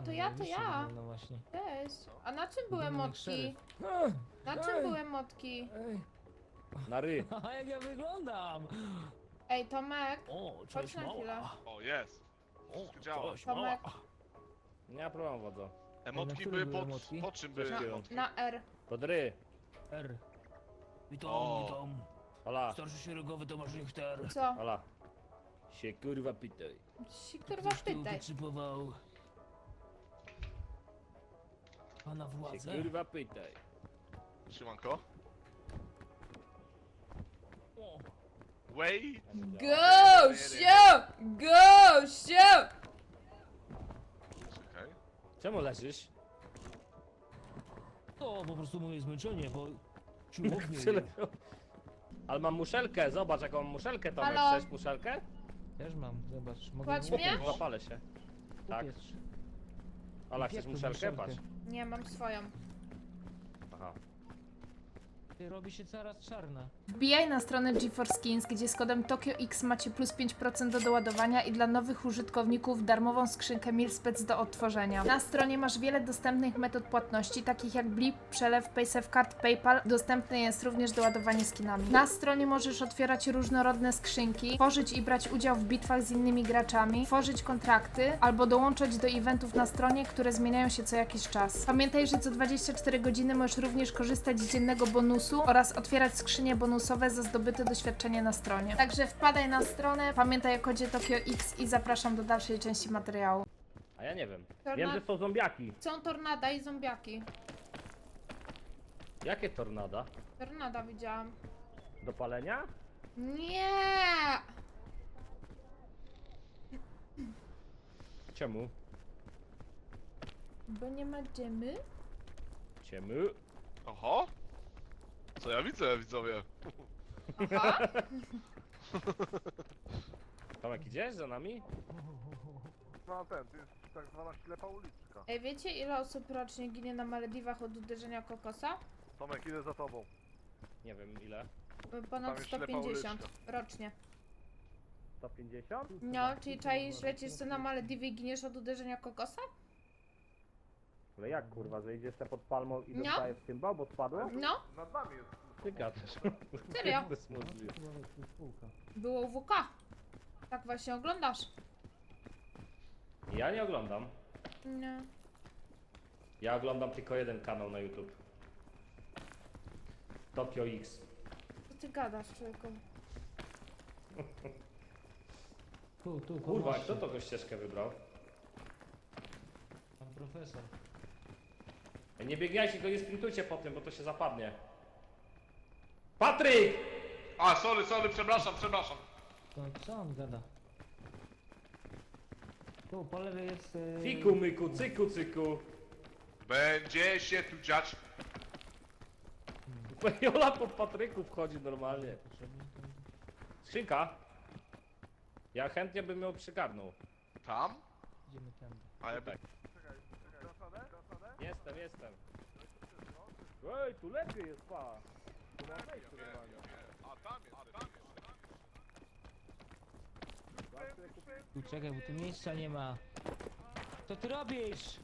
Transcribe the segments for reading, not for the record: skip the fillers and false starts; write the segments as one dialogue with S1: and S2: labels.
S1: to ja.
S2: No właśnie.
S1: Cześć. A na czym były
S2: Wyglądam jak
S1: motki?
S2: szeryf.
S1: Na czym były motki?
S2: Ej.
S3: Na ry.
S2: A jak ja wyglądam?
S1: Ej, Tomek.
S2: O,
S1: Chodź
S2: cześć
S1: na chwilę.
S2: mała.
S4: O, jest. Wszystko działa.
S2: Cześć mała.
S1: Tomek.
S3: Nie ma problemu, wodzo.
S4: Emotki
S2: którym
S4: były
S2: były
S4: pod...
S2: emotki?
S4: Po czym były
S3: Na-
S4: emotki?
S1: Na R.
S3: Pod ry.
S2: R. Witam,
S4: O.
S2: witam.
S3: Ola,
S2: Starszy szeregowy Tomasz Richter.
S1: Co?
S3: Ola. Się kurwa pytaj.
S1: Si kurwa
S2: Ktoś tu
S1: pytaj.
S2: wyczypował pana
S3: Się
S2: władzę?
S3: kurwa pytaj.
S4: Szymanko?
S2: O,
S4: Wait!
S1: Gościu! Gościu!
S4: Czekaj.
S3: Czemu leżysz?
S2: to po prostu moje zmęczenie, bo siłownie.
S3: Przylepiał. Ale mam muszelkę, zobacz jaką mam muszelkę, Tomek.
S1: Halo?
S3: Chcesz muszelkę?
S2: Też mam, zobacz. Mogę
S1: Kładź
S2: ją
S1: mnie?
S2: upiec.
S3: Zapalę się. Tak.
S2: Upiec.
S3: Ola, chcesz
S2: Upiekłem
S3: muszelkę?
S2: muszelkę.
S3: Patrz.
S1: Nie, mam swoją.
S3: Aha.
S2: Ty robi się coraz czarna.
S1: Wbijaj na stronę GeForce Skins, gdzie z kodem TokioX macie plus 5% do doładowania i dla nowych użytkowników darmową skrzynkę Milspec do odtworzenia. Na stronie masz wiele dostępnych metod płatności, takich jak Blip, Przelew, PaySafeCard, PayPal. Dostępne jest również doładowanie skinami. Na stronie możesz otwierać różnorodne skrzynki, tworzyć i brać udział w bitwach z innymi graczami, tworzyć kontrakty albo dołączać do eventów na stronie, które zmieniają się co jakiś czas. Pamiętaj, że co 24 godziny możesz również korzystać z dziennego bonusu oraz otwierać skrzynie bonusowe za zdobyte doświadczenie na stronie. Także wpadaj na stronę, pamiętaj o kodzie TokioX i zapraszam do dalszej części materiału.
S3: A ja nie wiem.
S1: Torna-
S3: Wiem, że są zombiaki.
S1: Są tornada i zombiaki.
S3: Jakie tornada?
S1: Tornada widziałam.
S3: Do palenia?
S1: Nie!
S3: Czemu?
S1: Bo nie ma dżemy?
S3: Czemu?
S4: Oho! Co ja widzę, widzowie?
S1: Aha.
S3: Tomek, idziesz za nami?
S5: No ten, to jest tak zwana ślepa uliczka.
S1: Ej, wiecie ile osób rocznie ginie na Malediwach od uderzenia kokosa?
S5: Tomek, idę za tobą.
S3: Nie wiem ile.
S1: Ponad
S5: Tam jest ślepa
S1: 150
S5: uliczka.
S1: rocznie.
S3: 150?
S1: No, czyli czaisz, lecisz sobie na Malediwy i giniesz od uderzenia kokosa?
S3: Ale jak kurwa, że idziesz te pod palmą i
S1: No.
S3: dostajesz cymbał, bo spadłem?
S1: No,
S5: Nad nami jest.
S3: Ty gadasz.
S1: Serio?
S3: To jest możliwe.
S1: było UWK. Tak właśnie oglądasz.
S3: Ja nie oglądam.
S1: Nie.
S3: Ja oglądam tylko jeden kanał na YouTube. Tokio X.
S1: Co ty gadasz, człowieku?
S2: Tu,
S3: Kurwa,
S2: pomóżcie.
S3: kto to go ścieżkę wybrał?
S2: Pan profesor.
S3: Ej, nie biegajcie, go nie sprintujcie po tym, bo to się zapadnie. Patryk!
S4: A, sorry, przepraszam.
S2: To co on gada? Tu, po lewej jest...
S3: Fiku myku, cyku cyku.
S4: Będzie się tu dziać.
S3: Jola po Patryku wchodzi normalnie.
S2: Potrzebny to...
S3: Skrzynka. Ja chętnie bym ją przygarnął.
S4: Tam?
S2: Idziemy tędy.
S4: A ja bym...
S3: Jestem. Ej, tu lepiej jest, pa. Tu mam wejście normalnie.
S4: A tam jest.
S2: Tu czekaj, bo tu miejsca nie ma. Co ty robisz?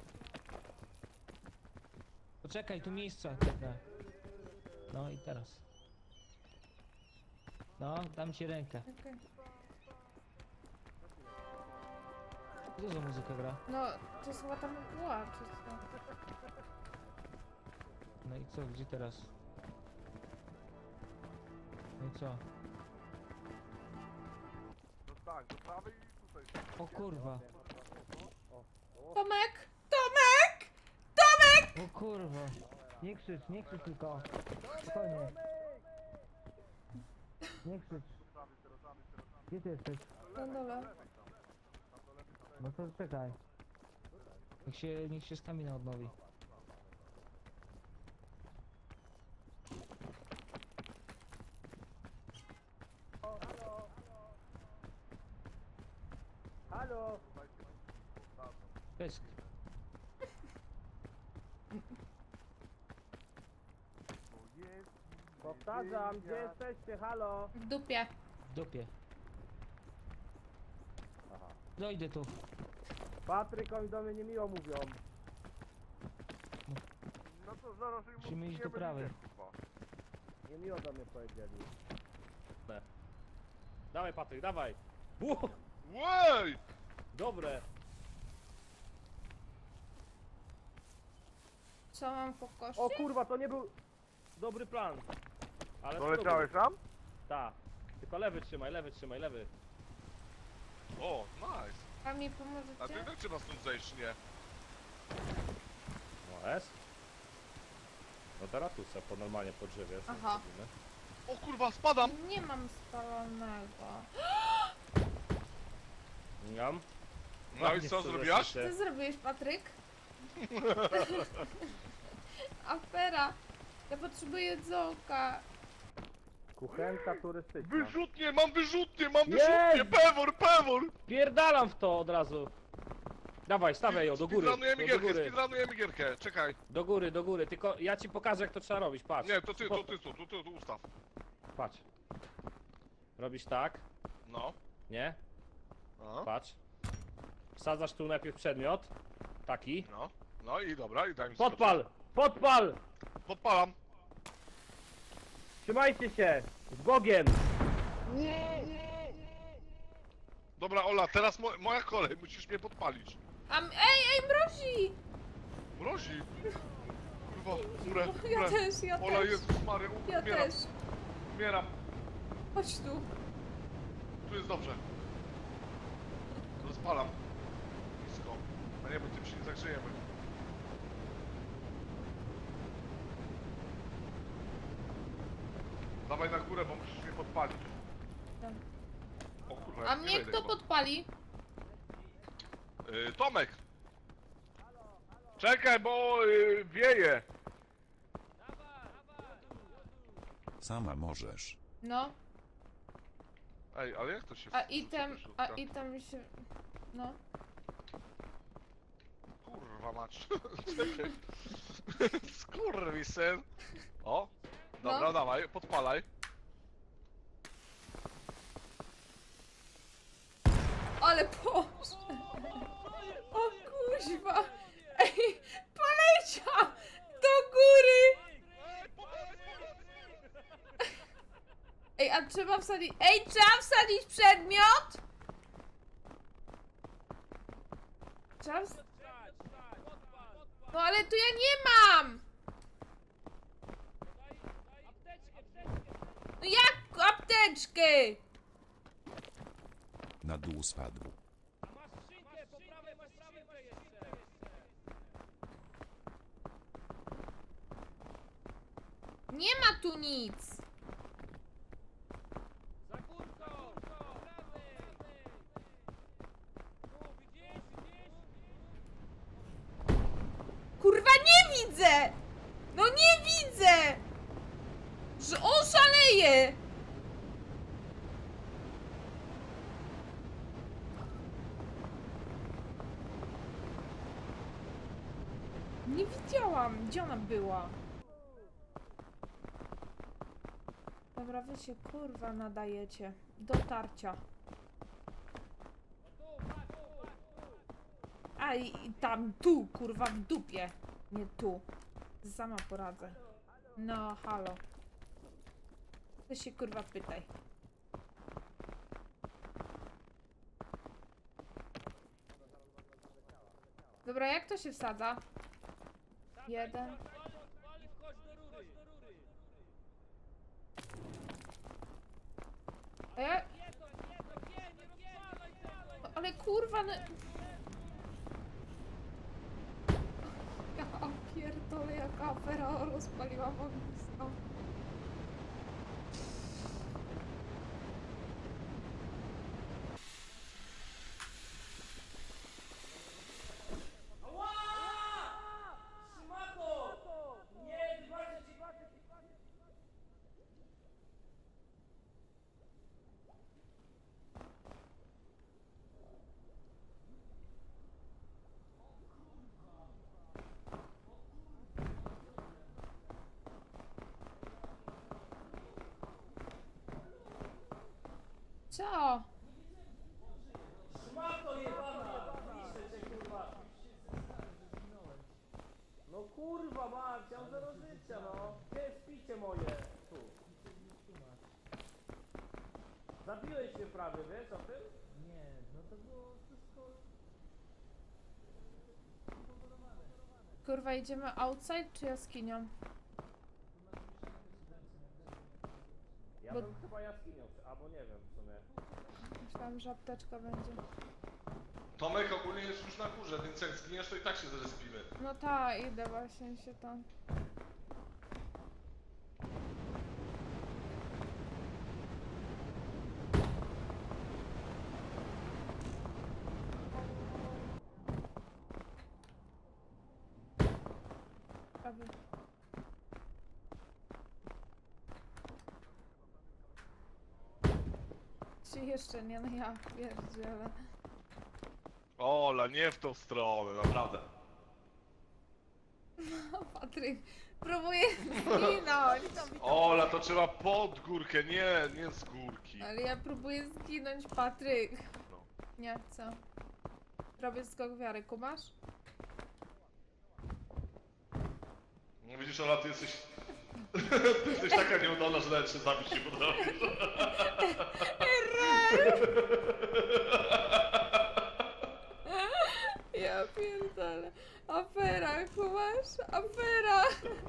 S2: Poczekaj, tu miejsca czeka. No i teraz. No, dam ci rękę.
S1: Okej.
S2: Co za muzyka gra?
S1: No, to jest chyba tam była, czy co?
S2: No i co, gdzie teraz? No i co?
S5: No tak, do prawej i tutaj.
S2: O kurwa.
S1: Tomek! Tomek! Tomek!
S2: O kurwa. Nie krzycz tylko. Spokojnie. Nie krzycz. Gdzie ty jesteś?
S1: Na dole.
S2: No to czekaj. Niech się stamina odnowi.
S3: Halo!
S2: Pysk.
S3: Powtarzam, gdzie jesteście, halo?
S1: W dupie.
S2: W dupie.
S3: Aha.
S2: Dojdę tu.
S3: Patryk, oni do mnie niemiło mówią.
S5: No to zaraz im
S2: Musimy iść do
S5: utkniemy
S2: prawej.
S5: lider, kurwa.
S3: Niemiło do mnie powiedzieli.
S6: Dawaj Patryk, dawaj!
S4: Łej!
S6: Dobre!
S1: Co mam po kości?
S3: O kurwa, to nie był dobry plan.
S6: Ale
S5: Doleciałeś tam?
S6: Tak. Tylko lewy trzymaj, lewy.
S4: O, nice.
S1: A mi
S4: A to
S1: pomożecie?
S4: i tak trzeba stąd zejść, nie?
S6: No jest. No teraz tu se po normalnie po drzewie. sobie
S1: Aha.
S6: zrobimy.
S4: O kurwa, spadam!
S1: Nie mam spalonego.
S6: Ngam.
S4: No i
S6: Ładnie
S4: co
S6: to
S4: zrobiłaś?
S6: zeszliście.
S1: Co zrobiłeś, Patryk? Afera. Ja potrzebuję jedzonka.
S3: Kuchenka turystyczna.
S4: Wyrzutnie, mam wyrzutnie,
S3: Jest!
S4: pewor!
S6: Pierdalam w to od razu. Dawaj, stawiaj ją do góry.
S4: Speedrunujemy
S6: Do
S4: gierkę,
S6: góry.
S4: speedrunujemy gierkę, czekaj.
S6: Do góry, tylko ja ci pokażę jak to trzeba robić, patrz.
S4: Nie, to ty ustaw.
S6: Patrz. Robisz tak,
S4: No.
S6: nie?
S4: No,
S6: Patrz. Wsadzasz tu najpierw przedmiot. Taki.
S4: no. No i dobra, i daj mi
S6: Podpal! Podpal!
S4: skoczyć. Podpalam.
S3: Trzymajcie się! Z Bogiem!
S4: Dobra, Ola, teraz moja kolej, musisz mnie podpalić.
S1: Ej, mrozi!
S4: Mrozi. Kurwa, umrę.
S1: Ja też, ja
S4: Ola,
S1: też.
S4: Jezus Maria,
S1: Ja
S4: umieram,
S1: też.
S4: umieram.
S1: Chodź tu.
S4: Tu jest dobrze. Rozpalam. Blisko. A nie, bo tym się nie zagrzejemy. Dawaj na górę, bo musisz mnie podpalić.
S1: Dobra.
S4: O kurwa,
S1: A
S4: ja nie
S1: mnie
S4: wejdę
S1: kto
S4: chyba.
S1: podpali?
S4: Tomek!
S3: Czekaj, bo wieje!
S7: Sama możesz.
S1: No.
S4: Ej, ale jak to się
S1: A
S4: wrzuca
S1: item,
S4: do środka?
S1: a item mi się... No.
S4: Kurwa mać. Czekaj. Skurwysyn. O! Dobra,
S1: No.
S4: dawaj, podpalaj.
S1: Ale Boże! O kuźwa! Ej, poleciał! Do góry! Ej, a trzeba wsadzić... Ej, trzeba wsadzić przedmiot? Trzeba No ale tu ja nie mam! No jak apteczkę?
S7: Na dół spadł.
S1: Nie ma tu nic! Kurwa, nie widzę! No nie widzę! Że on szaleje! Nie widziałam, gdzie ona była? Dobra, wy się kurwa nadajecie. Dotarcia. A i tam, tu, kurwa, w dupie. Nie tu. Sama poradzę. No, halo. Ty się kurwa pytaj. Dobra, jak to się wsadza? Jeden. A ja... No, ale kurwa, no... Ja pierdolę, jaka afera rozpaliła ognisko. Co?
S3: Kurwa mać, ja mam 0 życia, no. Gdzie jest picie moje? Tu. Zabiłeś mnie prawie, wiesz o tym?
S2: Nie, no to było wszystko...
S1: Kurwa, idziemy outside czy jaskinią?
S3: Ja
S1: Bo-
S3: bym chyba jaskinią, albo nie wiem w sumie.
S1: Myślałam, że apteczka będzie.
S4: Tomek ogólnie jest już na górze, więc jak zginiesz, to i tak się zrespimy.
S1: No ta, idę właśnie się tam. Prawie. Czy jeszcze nie, no ja pierdzielę.
S4: Ola, nie w tą stronę, naprawdę.
S1: Patryk, próbuję zginąć.
S4: Ola, to trzeba pod górkę, nie z górki.
S1: Ale ja próbuję zginąć, Patryk.
S4: No.
S1: Nie chcę. Robię skok wiary, kumasz?
S4: No widzisz, Ola, ty jesteś... Ty jesteś taka nieudolna, że nawet się zabić nie potrafisz.
S1: Ja pierdolę. Afera, kumasz? Afera.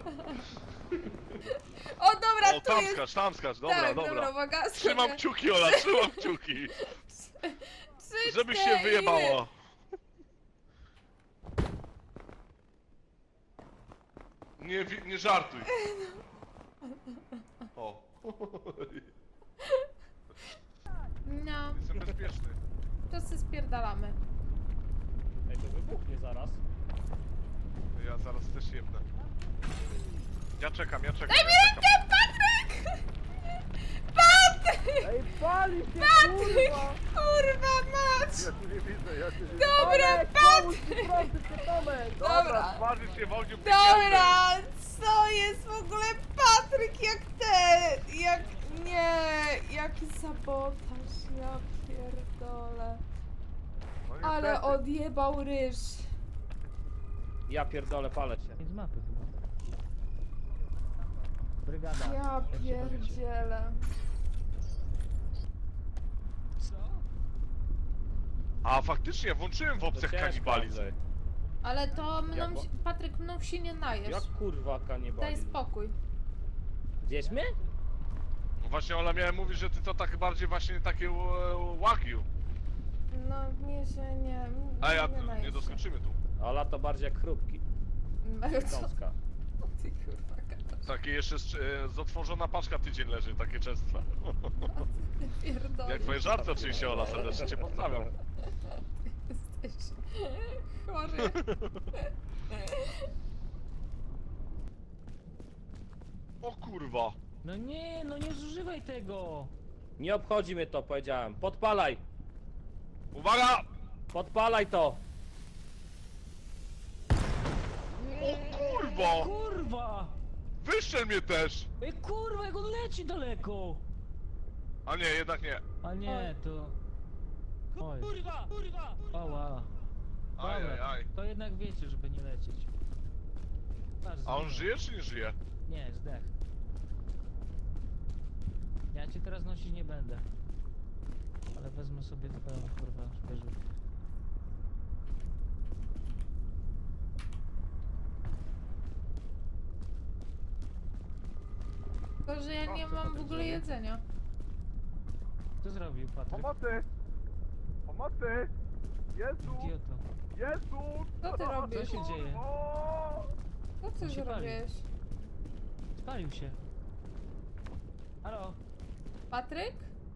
S1: O dobra,
S4: O,
S1: tu
S4: tam
S1: jest.
S4: skacz, tam skacz, dobra,
S1: Tak,
S4: dobra.
S1: uwaga,
S4: Trzymam
S1: skoczę.
S4: kciuki, Ola, trzymam kciuki.
S1: 3,
S4: Żebyś się
S1: 4,
S4: wyjebała. Nie żartuj. O.
S1: No,
S4: Jestem bezpieczny.
S1: to się spierdalamy.
S6: Ej, to wybuchnie zaraz.
S4: Ja zaraz też jebnę. Ja czekam.
S1: Daj mi rękę, Patryk! Patryk!
S3: Ej, pali się,
S1: Patryk!
S3: kurwa!
S1: Kurwa mać!
S5: Ja tu nie widzę, ja cię nie
S1: Dobra, Patryk!
S3: Proszę cię, Tomek!
S1: Dobra.
S4: Twarzy się w ogniu
S1: Dobra, co jest w ogóle Patryk jak ten? Jak... Nie, jaki sabotaż, ja pierdolę.
S5: No
S1: Ale
S5: niestety.
S1: odjebał ryż.
S6: Ja pierdolę, palę cię.
S2: Z mapy chyba. Brygada.
S1: Ja
S2: jak się powiecie.
S1: pierdzielę.
S2: Co?
S4: A faktycznie, włączyłem w opcjach kanibalizm.
S1: Ale to mną,
S6: Jak-
S1: Patryk, mną się nie najesz.
S6: Jak kurwa
S1: Daj
S6: kanibalizm?
S1: spokój.
S6: Gdzieś mnie?
S4: No właśnie, Ola miałem mówić, że ty to tak bardziej właśnie takie wagyu.
S1: No, mnie się nie...
S4: A ja
S1: nie
S4: nie
S1: najesz się.
S4: doskoczymy tu.
S6: Ola to bardziej jak chrupki.
S1: Co
S6: Gąska.
S1: ty kurwa gadasz?
S4: Takie jeszcze z otworzona paczka tydzień leży, takie często.
S1: Pierdolę.
S4: Jak twoje żarty oczywiście, Ola, serdecznie cię pozdrawiam.
S1: Jesteś chory.
S4: O kurwa.
S2: No nie zużywaj tego!
S6: Nie obchodzi mnie to, powiedziałem. Podpalaj!
S4: Uwaga!
S6: Podpalaj to!
S4: O kurwa!
S2: Kurwa!
S4: Wyszczel mnie też!
S2: Ej kurwa, jak on leci daleko!
S4: A nie, jednak nie.
S2: A nie, to... Oj.
S6: Kurwa! Kurwa!
S2: Oła.
S4: Aj, aj, aj.
S2: To jednak wiecie, żeby nie lecieć. Patrz,
S4: A on
S2: zginął.
S4: żyje czy nie żyje?
S2: Nie, zdech. Ja cię teraz nosić nie będę. Ale wezmę sobie twoją kurwa szperzówkę.
S1: Tylko, że ja nie mam w ogóle jedzenia.
S2: Co zrobił Patryk?
S5: Pomocy! Pomocy! Jezu!
S2: Idioto.
S5: Jezu!
S1: Co ty robisz?
S2: Co się dzieje?
S5: O!
S1: Co ty
S2: On się pali.
S1: zrobiłeś?
S2: Spalił się. Halo?
S1: Patryk?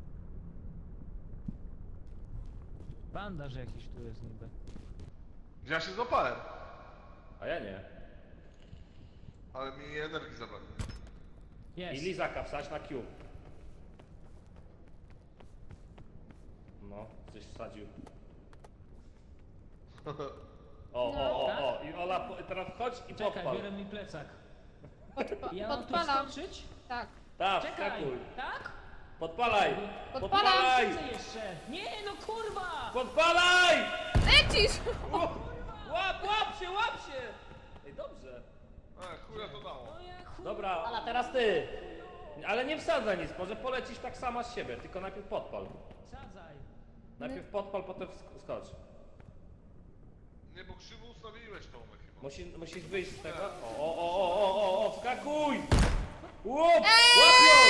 S2: Bandaż jakiś tu jest niby.
S4: Ja się złapałem.
S6: A ja nie.
S4: Ale mi energii zabrali.
S6: I
S2: Jest.
S6: lizaka wsadź na Q. No, coś wsadził. O. I Ola, teraz chodź i
S2: Czekaj,
S6: podpal.
S2: biorę mi plecak. Ja mam tu
S1: Podpalam.
S2: wskoczyć?
S1: Tak.
S6: Tak,
S2: Czekaj!
S6: wskakuj.
S2: Tak?
S6: Podpalaj!
S1: Podpalam.
S6: Podpalaj!
S2: Co jeszcze? Nie, no kurwa!
S6: Podpalaj!
S1: Lecisz!
S6: Łap się! Ej, dobrze.
S4: Chuja to dało.
S2: No ja chuj...
S6: Dobra, Ala, teraz ty! Ale nie wsadzaj nic, może polecisz tak sama z siebie, tylko najpierw podpal.
S2: Sadzaj.
S6: Najpierw podpal, potem skocz.
S4: Nie, bo krzywo ustawiłeś Tomek chyba.
S6: Musisz wyjść z tego. O, wskakuj! Łop! Łapią!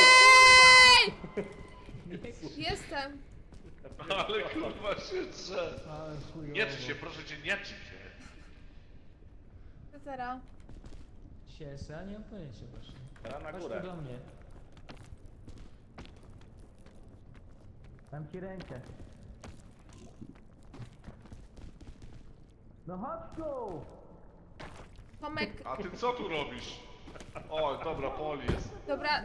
S1: Jestem.
S4: Ale kurwa się drze.
S2: Ale chujowo.
S4: Nie trzyj się, proszę cię, nie trzyj się.
S1: Co teraz?
S2: Siesa, nie mam pojęcia właśnie.
S6: Teraz na
S2: Chodź
S6: górę.
S2: tu do mnie. Dam ci rękę. No chodź tu!
S1: Tomek,
S4: A ty co tu robisz? O, dobra, Poli jest.
S1: dobra,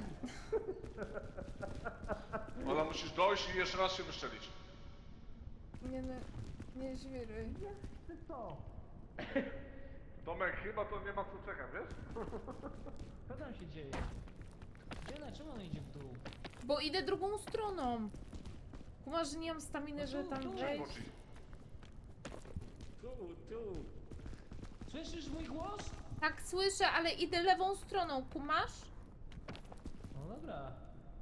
S4: Ola, musisz dojść i jeszcze raz się wyszczelić.
S1: nie no, nie żwiruj.
S2: Ty co?
S5: Tomek, chyba to nie ma co czekać, wiesz?
S2: Co tam się dzieje? Gdzie, dlaczego on idzie w dół?
S1: Bo idę drugą stroną. Kumasz, że nie mam staminy, że tam wejść.
S4: Skoczyć.
S6: Tu.
S2: Słyszysz mój głos?
S1: Tak, słyszę, ale idę lewą stroną, kumasz?
S2: No dobra.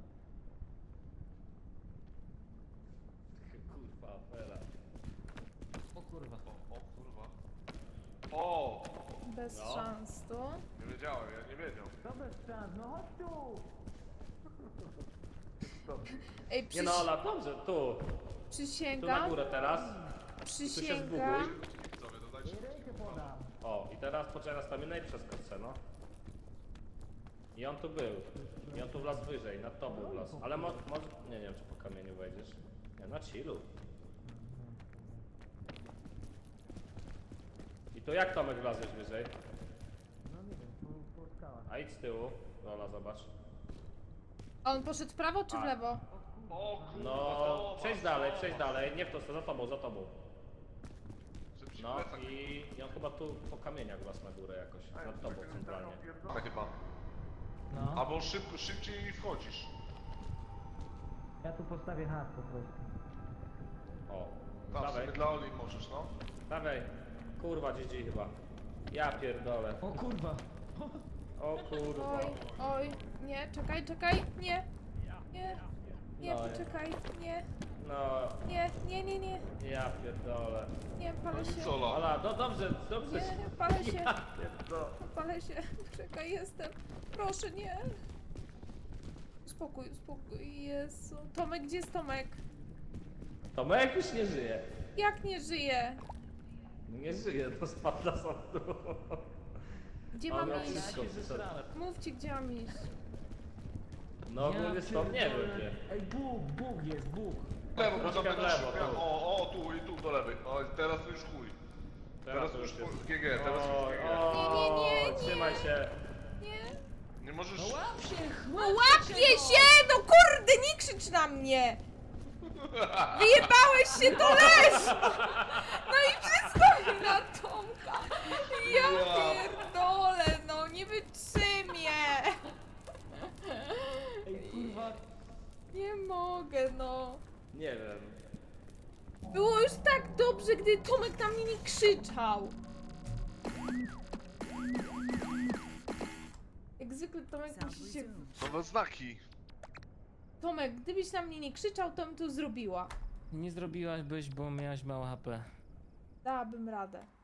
S6: Kurwa, afera.
S2: O kurwa.
S4: O kurwa. O!
S1: Bez
S6: No.
S1: szans tu.
S4: Nie wiedziałem, ja nie wiedział.
S2: To bez szans, no chodź tu!
S1: Ej,
S6: Nie no, Ola, dobrze, tu. Tu na
S1: przysięgam,
S6: górę teraz. Tu się
S1: przysięgam.
S6: zbuguj.
S4: Widzowie, dodajcie.
S2: Rękę podam.
S6: O, i teraz poczekaj na staminę i przeskocz se, no. I on tu był. I on tu wlazł wyżej, nad tobą wlazł. Ale może... Nie wiem, czy po kamieniu wejdziesz. Nie, na chillu. I to jak Tomek wlazłeś wyżej?
S2: No nie wiem, po skałach.
S6: A idź z tyłu. Ola, zobacz.
S1: A on poszedł w prawo czy w
S6: A.
S1: lewo?
S4: O kurwa,
S6: No,
S4: to
S6: przejdź dalej. Nie w to, za tobą.
S4: Żeby ci
S6: No
S4: plecak
S6: i on chyba tu po kamieniach wlazł na górę jakoś. Nad tobą centralnie.
S4: Tak chyba.
S2: No.
S4: Albo szybciej wchodzisz.
S2: Ja tu postawię hak po prostu.
S6: O,
S4: Tam
S6: dawaj,
S4: sobie dla Oli możesz, no.
S6: dawaj. Kurwa, GG chyba. Ja pierdolę.
S2: O kurwa.
S6: O kurwa.
S1: Oj, oj, nie, czekaj, nie, nie,
S6: No,
S1: poczekaj, nie,
S6: No,
S1: nie,
S6: ja pierdolę.
S1: nie, palę się,
S4: Co, Ola?
S6: Ola, no dobrze.
S1: nie, palę się,
S6: Ja pierdolę.
S1: palę się, czekaj, jestem, proszę, nie. Spokój, Jezu. Tomek, gdzie jest Tomek?
S6: Tomek już nie żyje.
S1: Jak nie żyje?
S6: Nie żyje, to spadł na sądu.
S1: Gdzie
S6: Ale
S1: mam
S6: ja
S1: iść?
S6: wszystko-
S2: Ja się zesrałem.
S1: Mówcie, gdzie mam iść.
S6: No ogólnie stąd nie wiem gdzie.
S2: Ej, Bóg jest, Bóg.
S4: Lewo, bo
S6: Troszkę
S4: tam
S6: w lewo,
S4: będziesz-
S6: tu.
S4: O, tu i tu do lewej. O, teraz to już chuj. Teraz to już GG, teraz to już GG.
S1: Nie.
S6: Trzymaj się.
S1: Nie.
S4: Nie możesz...
S2: No łap się,
S1: No łapię się! No kurde, nie krzycz na mnie! Wyjebałeś się, to leż! No i wszystko na Tomka! Ja pierdolę, no nie wytrzymię!
S2: Ej, kurwa.
S1: Nie mogę, no.
S6: Nie wiem.
S1: Było już tak dobrze, gdy Tomek na mnie nie krzyczał. Jak zwykle Tomek musi się...
S4: Nowe znaki.
S1: Tomek, gdybyś na mnie nie krzyczał, to bym to zrobiła.
S2: Nie zrobiłaś, bo miałaś mało HP.
S1: Dałabym radę.